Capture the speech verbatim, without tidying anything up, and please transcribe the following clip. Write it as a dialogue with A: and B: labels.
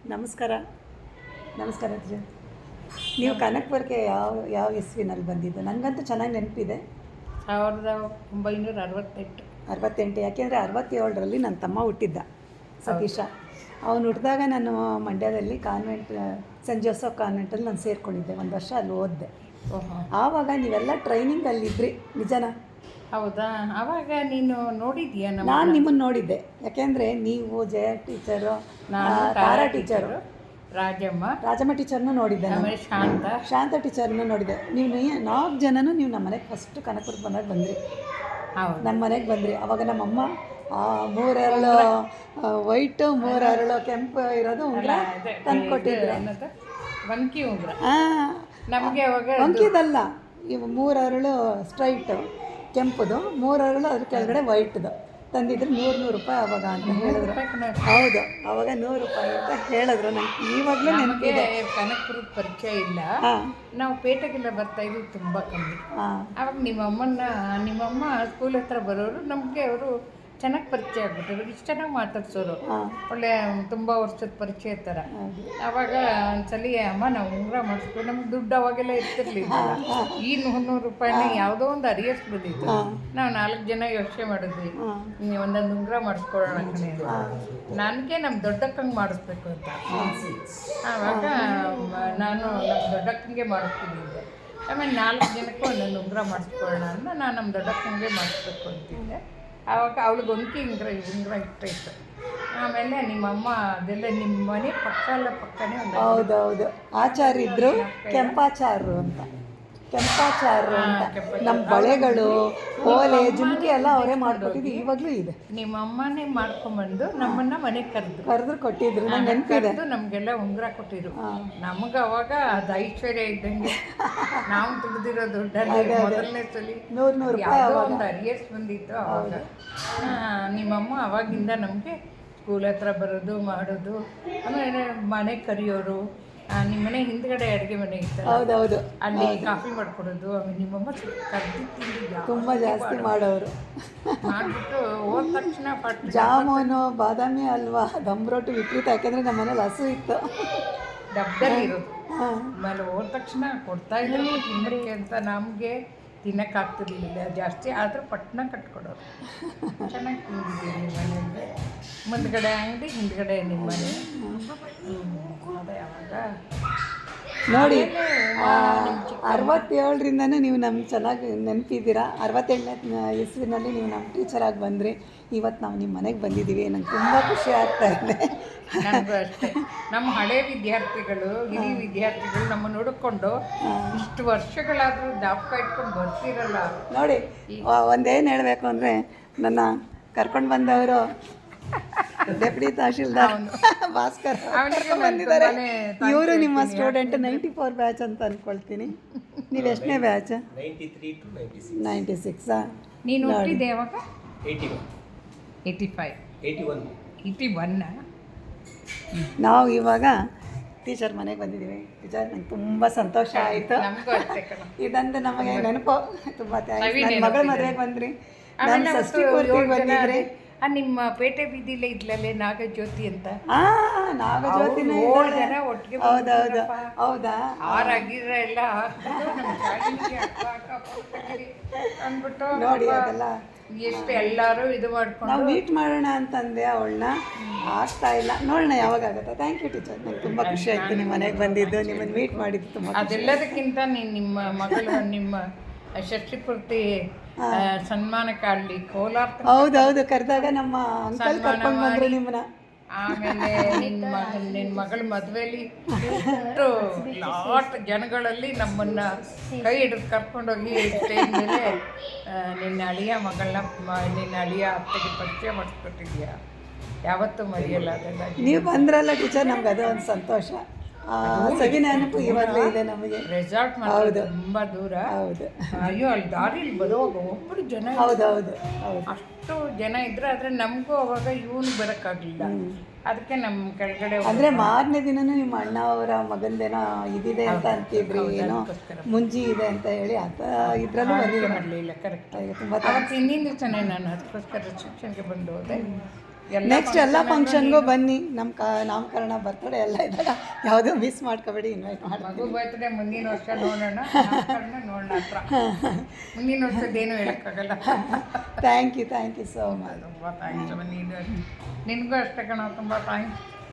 A: ನಮಸ್ಕಾರ. ನಮಸ್ಕಾರ ಅಜ್ಜಿ. ನೀವು ಕನಕಪುರಕ್ಕೆ ಯಾವ ಯಾವ ಇಸ್ವಿನಲ್ಲಿ ಬಂದಿದ್ದು? ನನಗಂತೂ ಚೆನ್ನಾಗಿ ನೆನಪಿದೆ.
B: ಸಾವಿರದ ಒಂಬೈನೂರ ಅರವತ್ತೆಂಟು
A: ಅರವತ್ತೆಂಟು ಯಾಕೆಂದರೆ ಅರವತ್ತೇಳರಲ್ಲಿ ನನ್ನ ತಮ್ಮ ಹುಟ್ಟಿದ್ದ, ಸತೀಶ. ಅವನು ಹುಟ್ಟಿದಾಗ ನಾನು ಮಂಡ್ಯದಲ್ಲಿ ಕಾನ್ವೆಂಟ್, ಸೆಂಟ್ ಜೋಸಫ್ ಕಾನ್ವೆಂಟಲ್ಲಿ ನಾನು ಸೇರಿಕೊಂಡಿದ್ದೆ. ಒಂದು ವರ್ಷ ಅಲ್ಲಿ ಓದಿದೆ. ಆವಾಗ ನೀವೆಲ್ಲ ಟ್ರೈನಿಂಗಲ್ಲಿದ್ರಿ, ನಿಜನಾ?
B: ಹೌದಾ? ಆವಾಗ ನೀನು ನೋಡಿದ್ಯಾ?
A: ನಾನು ನಿಮ್ಮನ್ನು ನೋಡಿದ್ದೆ. ಯಾಕೆಂದರೆ ನೀವು ಜಯ ಟೀಚರು, ತಾರಾ ಟೀಚರು,
B: ರಾಜಮ್ಮ
A: ರಾಜಮ್ಮ ಟೀಚರ್ನೂ ನೋಡಿದ್ದೆ,
B: ಆಮೇಲೆ ಶಾಂತ
A: ಶಾಂತ ಟೀಚರ್ನೂ ನೋಡಿದ್ದೆ. ನೀವು ನಾಲ್ಕು ಜನನೂ ನೀವು ನಮ್ಮ ಮನೆಗೆ ಫಸ್ಟ್ ಕನಕಪುರಕ್ಕೆ ಬಂದಾಗ ಬಂದ್ರಿ.
B: ಹೌದು,
A: ನಮ್ಮ ಮನೆಗೆ ಬಂದ್ರಿ. ಅವಾಗ ನಮ್ಮಮ್ಮ ಮೂರೆರಳು ವೈಟು ಮೂರೆರಳು ಕೆಂಪು ಇರೋದು ಉಂಗುರ ತಂದು ಕೊಟ್ಟಿದ್ರು.
B: ಬಂಕಿ ಉಂಗುರ
A: ಹಾಂ,
B: ನಮಗೆ ಅವಾಗ
A: ಬಂಕಿದಲ್ಲ, ಇವು ಮೂರರಳು ಸ್ಟ್ರೈಟು ಕೆಂಪುದು, ಮೂರರಳು ಅದ್ರ ಕೆಳಗಡೆ ವೈಟ್ದು ತಂದಿದ್ರು. ನೂರು ನೂರು ರೂಪಾಯಿ ಅವಾಗ ಅಂತ ಹೇಳಿದ್ರು. ಹೌದು, ಅವಾಗ ನೂರು ರೂಪಾಯಿ ಅಂತ ಹೇಳಿದ್ರು. ನಂಗೆ ಇವಾಗಲೂ ನೆನಪಿದೆ.
B: ಕನಕಪುರದ ಪರಿಚಯ ಇಲ್ಲ, ನಾವು ಪೇಟೆಗೆಲ್ಲ ಬರ್ತಾ ಇದ್ವಿ ತುಂಬ ಕಮ್ಮಿ. ಆವಾಗ ನಿಮ್ಮಮ್ಮನ್ನ ನಿಮ್ಮಮ್ಮ ಸ್ಕೂಲ್ ಹತ್ರ ಬರೋರು, ನಮಗೆ ಅವರು ಚೆನ್ನಾಗಿ ಪರಿಚಯ ಆಗ್ಬಿಟ್ಟರು. ಇಷ್ಟು ಚೆನ್ನಾಗಿ ಮಾತಾಡ್ಸೋರು, ಒಳ್ಳೆ ತುಂಬ ವರ್ಷದ ಪರಿಚಯ ಥರ. ಆವಾಗ ಒಂದ್ಸಲಿ ಅಮ್ಮ ನಾವು ಉಂಗುರ ಮಾಡಿಸ್ಕೊಂಡು, ನಮ್ಗೆ ದುಡ್ಡು ಅವಾಗೆಲ್ಲ ಇರ್ತಿರ್ಲಿಲ್ಲ. ಈ ನೂರು ನೂರು ರೂಪಾಯಿನ ಯಾವುದೋ ಒಂದು ಅರಿಯಸ್ ಬಂದಿತ್ತು. ನಾವು ನಾಲ್ಕು ಜನ ಯೋಚನೆ ಮಾಡಿದ್ವಿ, ಒಂದೊಂದು ಉಂಗುರ ಮಾಡಿಸ್ಕೊಳ್ಳೋಣ ಕಣೆ. ನನಗೆ ನಮ್ಮ ದೊಡ್ಡಕ್ಕಂಗೆ ಮಾಡಿಸ್ಬೇಕು ಅಂತ. ಆವಾಗ ನಾನು ನಮ್ಮ ದೊಡ್ಡಕ್ಕಂಗೆ ಮಾಡಿಸ್ತಿದ್ದೆ. ಆಮೇಲೆ ನಾಲ್ಕು ಜನಕ್ಕೂ ಒಂದೊಂದು ಉಂಗುರ ಮಾಡಿಸ್ಕೊಳ್ಳೋಣ ಅಂತ ನಾನು ನಮ್ಮ ದೊಡ್ಡಕ್ಕಂಗೆ ಮಾಡಿಸ್ಬೇಕು ಅಂತಿದ್ದೆ. ಆವಾಗ ಅವಳಿಗೆ ಒಂಕಿ ಉಂಗುರ ಉಂಗುರ ಇಷ್ಟ ಇತ್ತು. ಆಮೇಲೆ ನಿಮ್ಮಮ್ಮ ಅದೆಲ್ಲ ನಿಮ್ಮ ಮನೆ ಪಕ್ಕ ಎಲ್ಲ ಪಕ್ಕನೇ ಒಂದು.
A: ಹೌದೌದು, ಆಚಾರ್ಯ ಇದ್ದರು, ಕೆಂಪಾಚಾರ್ರು ಅಂತ. ಕೆಂಪಾಚಾರ್ರು ಅಂತ ನಮ್ಮ ಬಳೆಗಳು, ಓಲೆ, ಜುಮ್ಕಿ ಎಲ್ಲ ಅವರೇ ಮಾಡಿಕೊಟ್ಟಿದ್ದು. ಇವಾಗಲೂ ಇದೆ.
B: ನಿಮ್ಮ ಅಮ್ಮನೇ ಮಾಡ್ಕೊಂಬಂದು ನಮ್ಮನ್ನ ಮನೆಗೆ ಕರೆದು
A: ಕರೆದ್ರು ಕೊಟ್ಟಿದ್ರು. ನಂಗೆ ನೆನಪಿದೆ.
B: ನಮಗೆಲ್ಲ ಉಂಗುರ ಕೊಟ್ಟಿದ್ರು. ನಮಗೆ ಅವಾಗ ಅದು ಐಶ್ವರ್ಯ ಇದ್ದಂಗೆ. ನಾವು ದುಡ್ದಿರೋ ದುಡ್ಡಲ್ಲಿ ಮೊದಲನೇ ಸಲ
A: ನೂರು ನೂರು ರೂಪಾಯಿ
B: ಒಂದು ಅರಿಯಸ್ ಬಂದಿತ್ತು ಅವಾಗ. ನಿಮ್ಮಮ್ಮ ಅವಾಗಿಂದ ನಮಗೆ ಸ್ಕೂಲ್ ಹತ್ರ ಬರೋದು ಮಾಡೋದು, ಆಮೇಲೆ ಮನೆಗೆ ಕರೆಯೋರು. ನಿಮ್ಮ ಮನೆ ಹಿಂದ್ಗಡೆ ಅಡುಗೆ ಮನೆ ಇತ್ತು,
A: ಹೌದೌದು,
B: ಅಲ್ಲಿ ಕಾಫಿ ಮಾಡ್ಕೊಡೋದು. ಆಮೇಲೆ ನಿಮ್ಮಮ್ಮ ಕರ್ದಿ
A: ತುಂಬ ಜಾಸ್ತಿ ಮಾಡೋರು.
B: ಮಾಡಿಬಿಟ್ಟು ಹೋದ ತಕ್ಷಣ ಪಟ್ಟು
A: ಜಾಮೂನು, ಬಾದಾಮಿ ಹಲ್ವಾ, ದಮ್ ರೊಟ್ಟಿ ವಿಪರೀತ. ಯಾಕೆಂದರೆ ನಮ್ಮ ಮನೇಲಿ ಹಸು ಇತ್ತು,
B: ಡಬ್ಬದಲ್ಲಿ ಇರೋದು. ಆಮೇಲೆ ಹೋದ ತಕ್ಷಣ ಕೊಡ್ತಾ ಇದ್ರು ತಿನ್ನಕ್ಕೆ ಅಂತ. ನಮಗೆ ತಿನ್ನೋಕ್ಕಾಗ್ತಿರ್ಲಿಲ್ಲ ಜಾಸ್ತಿ, ಆದರೂ ಪಟ್ಟಣ ಕಟ್ಕೊಡೋರು. ಚೆನ್ನಾಗಿ ತಿಂದಿದ್ದೀವಿ ನಿಮ್ಮ ಮನೆಯಿಂದ. ಮುಂದ್ಗಡೆ ಅಂಗಡಿ, ಹಿಂದ್ಗಡೆ ನಿಮ್ಮ ಮನೆ. ಅದೇ ಯಾವಾಗ
A: ನೋಡಿ, ಅರವತ್ತೇಳರಿಂದನೂ ನೀವು ನಮ್ಗೆ ಚೆನ್ನಾಗಿ ನೆನಪಿದ್ದೀರಾ. ಅರವತ್ತೆಂಟನೇ ಇಸ್ವಿನಲ್ಲಿ ನೀವು ನಮ್ಮ ಟೀಚರಾಗಿ ಬಂದ್ರಿ. ಇವತ್ತು ನಾವು ನಿಮ್ಮ ಮನೆಗೆ ಬಂದಿದ್ದೀವಿ. ನಂಗೆ ತುಂಬ ಖುಷಿ ಆಗ್ತಾ ಇದೆ.
B: ನನಗೂ ಅಷ್ಟೇ. ನಮ್ಮ ಹಳೆ ವಿದ್ಯಾರ್ಥಿಗಳು, ಹಿರಿಯ ವಿದ್ಯಾರ್ಥಿಗಳು ನಮ್ಮ ನೋಡಿಕೊಂಡು ಇಷ್ಟು ವರ್ಷಗಳಾದರೂ ಜ್ಞಾಪಕ ಇಟ್ಕೊಂಡು ಬರ್ತಿರಲ್ಲ.
A: ನೋಡಿ, ಒಂದೇನು ಹೇಳಬೇಕು ಅಂದರೆ, ನನ್ನ ಕರ್ಕೊಂಡು ಬಂದವರು ಡೆಪ್ಯೂಟಿ ತಹಶೀಲ್ದಾರ್ ಭಾಸ್ಕರ್ ಬಂದಿದ್ದಾರೆ. ಇವರು ನಿಮ್ಮ ಸ್ಟೂಡೆಂಟ್, ನೈಂಟಿ ಫೋರ್ ಬ್ಯಾಚ್ ಅಂತ ಅಂದ್ಕೊಳ್ತೀನಿ. ನೀವು ಎಷ್ಟನೇ ಬ್ಯಾಚ್? ನೈಂಟಿ ಸಿಕ್ಸಾ?
B: ನೀನು ಹುಟ್ಟಿದ್ದೆ ಯಾವಾಗ? ಏಯ್ಟಿ ಫೈವ್ ಏಯ್ಟಿ ಒನ್ನ. ನಾವು
A: ಇವಾಗ ಟೀಚರ್ ಮನೆಗೆ ಬಂದಿದ್ದೀವಿ. ಟೀಚರ್, ನಂಗೆ ತುಂಬ ಸಂತೋಷ ಆಯಿತು. ಇದಂದು ನಮಗೆ ನೆನಪು. ತುಂಬ ಥ್ಯಾಂಕ್ಸ್. ನನ್ನ ಮಗಳ ಮದುವೆಗೆ ಬಂದ್ರಿ, ನಾನು ಷಷ್ಠಿ ಪೂರ್ತಿಗೆ ಬಂದಿದ್ರಿ.
B: ನಿಮ್ಮ ಪೇಟೆ ಬೀದಿಲೇ ಇದ್ಲಲ್ಲೇ ನಾಗಜ್ಯೋತಿ ಅಂತ.
A: ಹಾಂ, ನಾಗಜ್ಯೋತಿನ
B: ಜನ ಒಟ್ಟಿಗೆ.
A: ಹೌದೌದು, ಹೌದಾ?
B: ಆರಾಗಿರ ಎಲ್ಲ ಅಂದ್ಬಿಟ್ಟು
A: ನೋಡಿ, ಅದೆಲ್ಲ
B: ಎಷ್ಟು ಎಲ್ಲರೂ ಇದು ಮಾಡ್ಕೊಂಡು
A: ನಾವು ಮೀಟ್ ಮಾಡೋಣ ಅಂತಂದೆ ಅವಳನ್ನ. ಆಗ್ತಾ ಇಲ್ಲ, ನೋಡೋಣ ಯಾವಾಗ ಆಗುತ್ತೆ. ಥ್ಯಾಂಕ್ ಯು ಟೀಚರ್, ನಂಗೆ ತುಂಬ ಖುಷಿ ಆಯಿತು ನಿಮ್ಮ ಮನೆಗೆ ಬಂದಿದ್ದು, ನಿಮ್ಮನ್ನು ಮೀಟ್ ಮಾಡಿದ್ದು ತುಂಬ.
B: ಅದೆಲ್ಲದಕ್ಕಿಂತ ನೀನು ನಿಮ್ಮ ಮಗಳು ನಿಮ್ಮ ಷಷ್ಠಿ ಪೂರ್ತಿ ಸನ್ಮಾನಕ್ಕೆ ಅಲ್ಲಿ ಕೋಲಾರ.
A: ಹೌದೌದು, ಕರೆದಾಗ ನಮ್ಮ ಅಂಕಲ್ ಕರ್ಕೊಂಡು ಬಂದರು ನಿಮ್ಮನ್ನ.
B: ಆಮೇಲೆ ನಿನ್ನ ಮಗ ನಿನ್ನ ಮಗಳ ಮದುವೆಯಲ್ಲಿ ಎಷ್ಟು ಲಾಟ್ ಜನಗಳಲ್ಲಿ ನಮ್ಮನ್ನ ಕೈ ಹಿಡಿದು ಕರ್ಕೊಂಡೋಗಿ ಸ್ಟೇಜ್ ಮೇಲೆ ನಿನ್ನ ಅಳಿಯ ಮಗಳನ್ನ, ನಿನ್ನ ಅಳಿಯ ಅತ್ತೆಗೆ ಪರಿಚಯ ಮಾಡಿಸ್ಕೊಟ್ಟಿದ್ಯಾ. ಯಾವತ್ತೂ ಮರೆಯಲ್ಲ ಅದೆಲ್ಲ.
A: ನೀವು ಬಂದ್ರಲ್ಲ ಟೀಚರ್, ನಮ್ಗೆ ಅದೇ ಒಂದು ಸಂತೋಷ. ಸವಿ ನೆನಪು ಇವಾಗಲೇ ಇದೆ ನಮಗೆ.
B: ರೆಸಾರ್ಟ್ ಮಾಡೋದು ತುಂಬ ದೂರ.
A: ಹೌದು.
B: ಅಯ್ಯೋ, ಅಲ್ಲಿ ದಾರಿಲಿ ಬರುವಾಗ ಒಬ್ಬರು ಜನ,
A: ಹೌದೌದು ಹೌದು,
B: ಅಷ್ಟು ಜನ ಇದ್ರು. ಆದರೆ ನಮಗೂ ಅವಾಗ ಇವನು ಬರೋಕ್ಕಾಗಲಿಲ್ಲ. ಅದಕ್ಕೆ ನಮ್ಮ ಕೆಳಗಡೆ
A: ಅಂದರೆ ಮಾರನೇ ದಿನನೂ ನಿಮ್ಮ ಅಣ್ಣ ಅವರ ಮಗಂದೇನೋ ಇದಿದೆ ಅಂತ ಅಂತಿದ್ರಿ, ಏನೋ ಮುಂಜಿ ಇದೆ ಅಂತ ಹೇಳಿ. ಅದ ಇದರಲ್ಲೂ
B: ಬರಲಿಲ್ಲ. ಕರೆಕ್ಟ್. ತುಂಬ ಹಿಂದಿನ ದಿವಸನೇ ನಾನು ಅದಕ್ಕೋಸ್ಕರ ರಿಸೆಪ್ಷನ್ಗೆ ಬಂದು ಹೋದೆ. ಎಲ್ಲ
A: ನೆಕ್ಸ್ಟ್ ಎಲ್ಲ ಫಂಕ್ಷನ್ಗೂ ಬನ್ನಿ. ನಮ್ಮ ಕ ನಾಮಕರಣ ಬರ್ತಡೇ ಎಲ್ಲ ಇದ್ದಾಗ ಯಾವುದೂ ಮಿಸ್ ಮಾಡ್ಕೋಬೇಡಿ, ಇನ್ವೈಟ್ ಮಾಡಿ.
B: ಮಗು ಬರ್ತ್ಡೇ ಮುಂದಿನ ವರ್ಷ ನೋಡೋಣ, ನಾಮಕರಣ ನೋಡೋಣ ಹತ್ರ. ಮುಂದಿನ ವರ್ಷದ್ದೇನು ಹೇಳೋಕ್ಕಾಗಲ್ಲ.
A: Thank you thank you so much.
B: ತುಂಬ ಥ್ಯಾಂಕ್ಸ್. ನೀನು ನಿನಗೂ ಅಷ್ಟೇ ಕಣ, ತುಂಬ ಥ್ಯಾಂಕ್ಸ್.